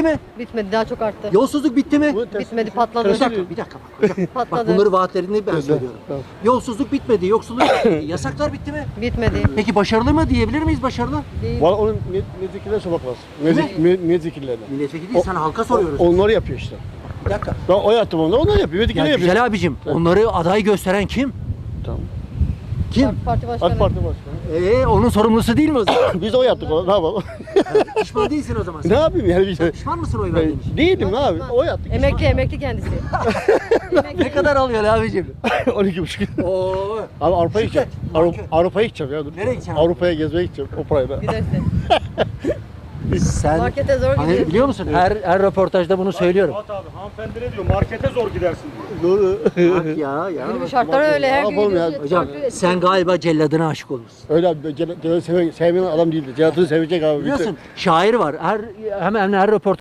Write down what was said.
bitti mi? Bitmedi, daha çok arttı. Yolsuzluk bitti mi? Bitmedi, patladı. Bir dakika bak hocam. Bak Patladı. bunları vaatlerini ben söylüyorum. Tamam. Yolsuzluk bitmedi, yoksulluk bitmedi, yasaklar bitti mi? Bitmedi. Peki başarılı mı diyebilir miyiz başarılı? Değil. Valla onun milletvekillerine sormak lazım. Milletvekillerine. Milletvekili değil, sana halka soruyoruz. Onları yapıyor işte. Bir dakika. Ben oy attım onda, onlar yapıyor. Milletvekilleri Ya yapıyor. güzel abicim, onları aday gösteren kim? Tamam. Kim? Parti başkanı. AK Parti başkanı. Onun sorumlusu değil mi o zaman? Biz de oy yaptık ona, ne yapalım? Pişman değilsin o zaman Ne sen. yapayım yani biz de. Pişman mısın oy verdiğin için? Değilim abi, oy attık. Emekli kendisi. Ne kadar alıyor abicim? 12,5. Oo. Abi Avrupa'ya Şirket, gideceğim. marka. Avrupa'ya gideceğim ya. Dur. Nereye gideceksin? Avrupa'ya gezmeye gideceğim o parayla. Gidersin. Sen Markete zor hani gidiyorsun. biliyor musun? Her röportajda bunu söylüyorum. Fuat abi hanımefendi ne diyor? Markete zor gidersin diyor. Doğru. Bak ya. Günümüz şartları öyle. Her gün Yapalım ya. gidiyorsun. Hocam farklı- sen galiba celladına aşık olursun. Öyle abi, Celat'ı sevmeyen adam değildi. Celat'ı sevecek abi. Biliyorsun şair var. Hemen her röportaj